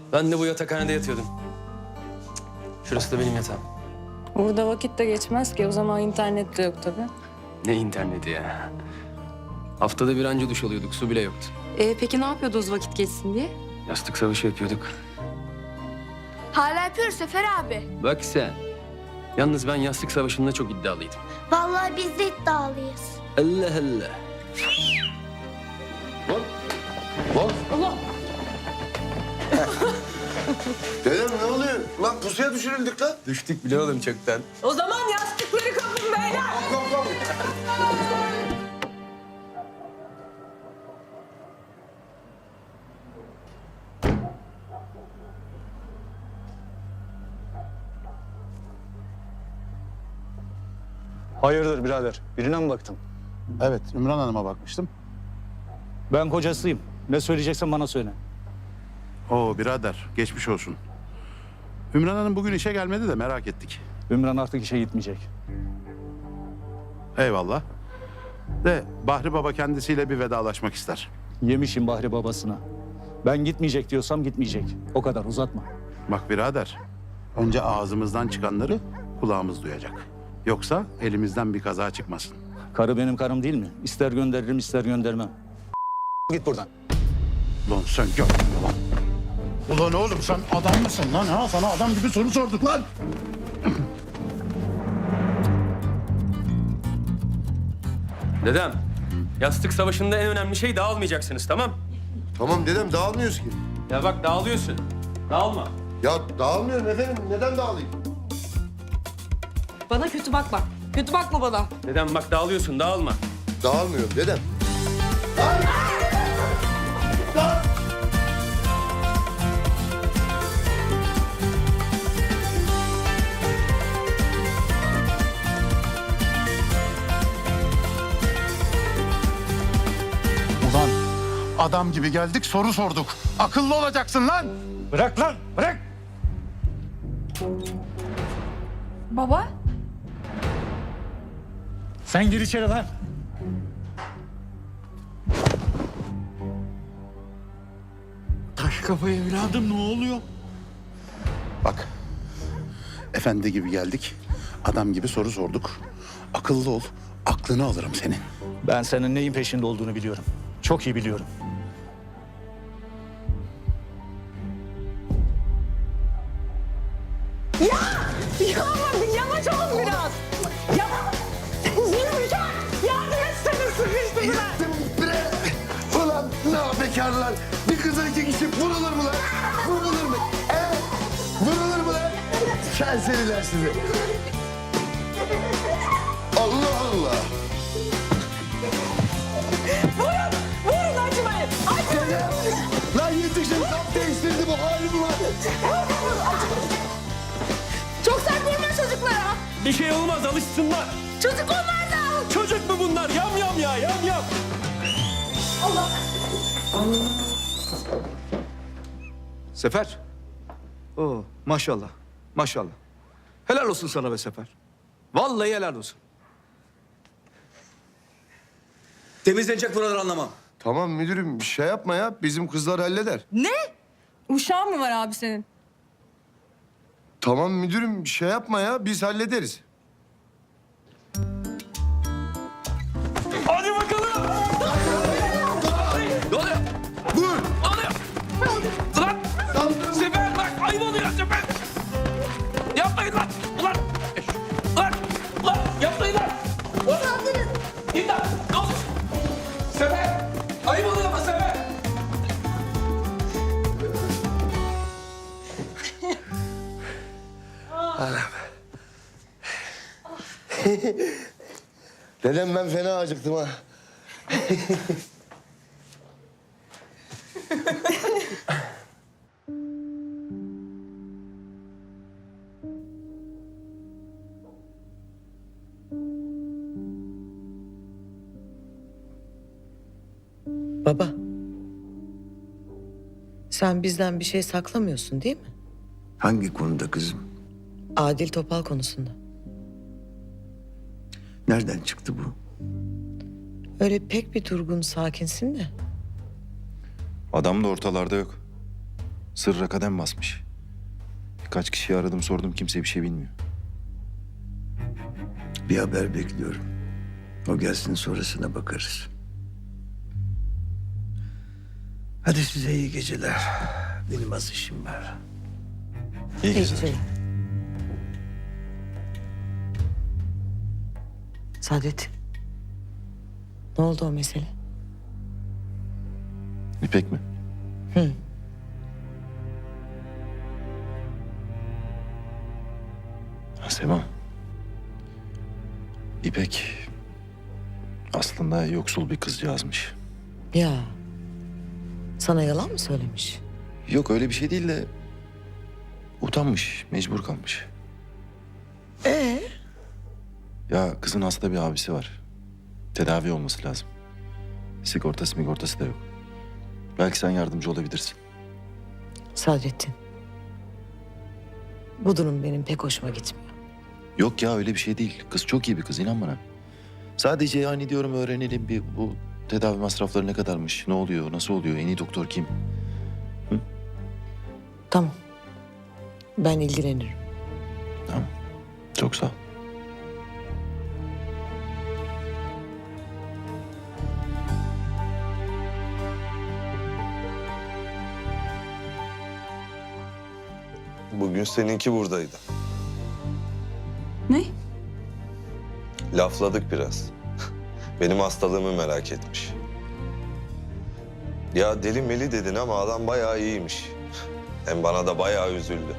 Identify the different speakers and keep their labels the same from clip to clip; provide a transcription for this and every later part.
Speaker 1: Ben de bu yatakhanede yatıyordum. Şurası da benim yatağım.
Speaker 2: Burada vakit de geçmez ki. O zaman internet de yok tabii.
Speaker 1: Ne interneti ya. Haftada bir anca duş alıyorduk. Su bile yoktu.
Speaker 3: Peki ne yapıyordunuz vakit geçsin diye?
Speaker 1: Yastık savaşı yapıyorduk.
Speaker 4: Hala yapıyoruz Sefer abi.
Speaker 1: Bak sen. Yalnız ben yastık savaşında çok iddialıydım.
Speaker 4: Vallahi biz de iddialıyız.
Speaker 1: Allah Allah.
Speaker 5: Lan. Dedem ne oluyor? Lan pusuya düşürüldük lan.
Speaker 1: Düştük bile oğlum çoktan.
Speaker 2: O zaman yastıkları kapın beyler.
Speaker 5: Kalk.
Speaker 6: Hayırdır birader? Birine mi baktın?
Speaker 7: Evet, Ümran Hanım'a bakmıştım.
Speaker 6: Ben kocasıyım. Ne söyleyeceksen bana söyle.
Speaker 7: Oo birader, geçmiş olsun. Ümran Hanım bugün işe gelmedi de merak ettik.
Speaker 6: Ümran artık işe gitmeyecek.
Speaker 7: Eyvallah. De Bahri Baba kendisiyle bir vedalaşmak ister.
Speaker 6: Yemişim Bahri babasına. Ben gitmeyecek diyorsam gitmeyecek. O kadar uzatma.
Speaker 7: Bak birader, önce ağzımızdan çıkanları kulağımız duyacak. Yoksa elimizden bir kaza çıkmasın.
Speaker 6: Karı benim karım değil mi? İster gönderirim ister göndermem. Git buradan.
Speaker 7: Lan sen gel lan. Ulan oğlum sen adam mısın lan ha? Sana adam gibi soru sorduk lan.
Speaker 1: Dedem, yastık savaşında en önemli şey dağılmayacaksınız, tamam?
Speaker 5: Tamam dedem dağılmıyoruz ki.
Speaker 1: Ya bak dağılıyorsun. Dağılma.
Speaker 5: Ya dağılmıyorum efendim. Neden dağılayım?
Speaker 3: Bana kötü bakma. Kötü bakma bana.
Speaker 1: Dedem bak dağılıyorsun, dağılma.
Speaker 5: Dağılmıyorum dedem.
Speaker 7: Ulan adam gibi geldik soru sorduk. Akıllı olacaksın lan.
Speaker 6: Bırak lan bırak.
Speaker 2: Baba?
Speaker 6: Sen gir içeri lan.
Speaker 7: Taş kafa evladım ne oluyor? Bak. Efendi gibi geldik. Adam gibi soru sorduk. Akıllı ol. Aklını alırım senin.
Speaker 6: Ben senin neyin peşinde olduğunu biliyorum. Çok iyi biliyorum.
Speaker 2: Yavaş olun biraz. Yavaş. Zülfikar, yardım etsene sıkıştırdılar.
Speaker 5: Gittim bre. Ulan ne bekarlar. Bir kıza iki kişi vurulur mu lan? Vurulur mu? Vurulur mu lan? Serseriler sizi. Allah Allah.
Speaker 2: Vurun acımayın.
Speaker 5: Dedem. Lan yetişin kap değiştirdi bu halim var.
Speaker 4: Çok sert vurma çocuklara.
Speaker 1: Bir şey olmaz, alışsınlar.
Speaker 4: Çocuk onlar da.
Speaker 1: Çocuk mu bunlar? Yam yam ya, yam yam.
Speaker 8: Sefer. Oo, maşallah. Maşallah. Helal olsun sana be Sefer. Vallahi helal olsun. Temizlenecek buraları anlamam.
Speaker 5: Tamam müdürüm bir şey yapma ya. Bizim kızlar halleder.
Speaker 2: Ne? Uşağın mı var abi senin?
Speaker 5: Tamam müdürüm bir şey yapma ya. Biz hallederiz.
Speaker 1: Hadi bakalım. Ne oluyor?
Speaker 5: Vur.
Speaker 1: Ne oluyor? Ulan! Sefer bak, ayıp oluyor Sefer. Yapmayın lan. Ulan! Ulan! Ulan! Yapmayın lan. Ulan! İmdat! Ne olur? Sefer! Ayıp oluyor ama Sefer.
Speaker 5: Dedem ben fena acıktım ha.
Speaker 9: Baba. Sen bizden bir şey saklamıyorsun değil mi?
Speaker 8: Hangi konuda kızım?
Speaker 9: Adil Topal konusunda.
Speaker 8: Nereden çıktı bu?
Speaker 9: Öyle pek bir durgun, sakinsin de.
Speaker 10: Adam da ortalarda yok. Sırra kadem basmış. Birkaç kişiyi aradım sordum, kimse bir şey bilmiyor.
Speaker 5: Bir haber bekliyorum. O gelsin, sonrasına bakarız. Hadi size iyi geceler. Benim az işim var.
Speaker 10: İyi geceler.
Speaker 9: Saadettin. Ne oldu o mesele?
Speaker 10: İpek mi?
Speaker 9: Hı.
Speaker 10: Sema. İpek aslında yoksul bir kızcağızmış.
Speaker 9: Ya. Sana yalan mı söylemiş?
Speaker 10: Yok öyle bir şey değil de utanmış, mecbur kalmış. Ya kızın hasta bir abisi var. Tedavi olması lazım. Sigortası da yok. Belki sen yardımcı olabilirsin.
Speaker 9: Saadettin. Bu durum benim pek hoşuma gitmiyor.
Speaker 10: Yok ya öyle bir şey değil. Kız çok iyi bir kız, inan bana. Sadece yani diyorum öğrenelim bir bu tedavi masrafları ne kadarmış, ne oluyor, nasıl oluyor, en iyi doktor kim?
Speaker 9: Tamam. Ben ilgilenirim.
Speaker 10: Tamam. Çok sağ ol.
Speaker 11: Bugün seninki buradaydı.
Speaker 3: Ne?
Speaker 11: Lafladık biraz. Benim hastalığımı merak etmiş. Ya deli meli dedin ama adam bayağı iyiymiş. Hem bana da bayağı üzüldü.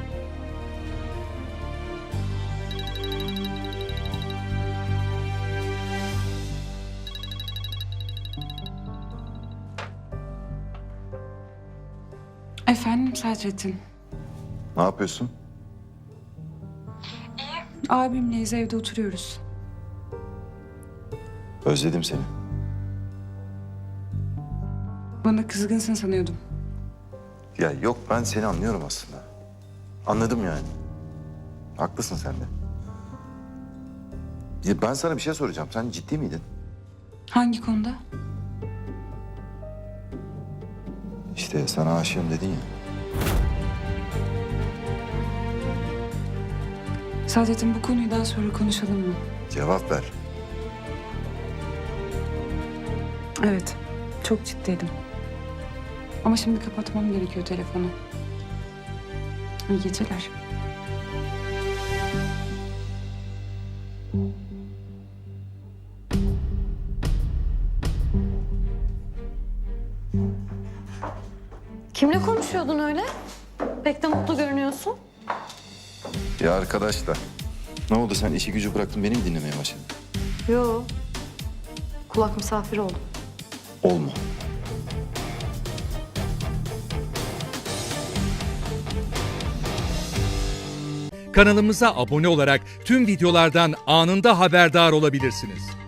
Speaker 2: Efendim Sadrettin.
Speaker 10: Ne yapıyorsun?
Speaker 2: Abimleyiz, evde oturuyoruz.
Speaker 10: Özledim seni.
Speaker 2: Bana kızgınsın sanıyordum.
Speaker 10: Ya yok, ben seni anlıyorum aslında. Anladım yani. Haklısın sen de. Ya ben sana bir şey soracağım. Sen ciddi miydin?
Speaker 2: Hangi konuda?
Speaker 10: İşte sana aşığım dedin ya.
Speaker 2: Sadrettin, bu konuyu daha sonra konuşalım mı?
Speaker 10: Cevap ver.
Speaker 2: Evet, çok ciddiydim. Ama şimdi kapatmam gerekiyor telefonu. İyi geceler.
Speaker 3: Kimle konuşuyordun öyle? Pek de mutlu görünüyorsun.
Speaker 10: Ya arkadaş da. Ne oldu, sen işi gücü bıraktın, beni mi dinlemeye başladın?
Speaker 3: Yo. Kulak misafiri oldum.
Speaker 10: Olma.
Speaker 12: Kanalımıza abone olarak tüm videolardan anında haberdar olabilirsiniz.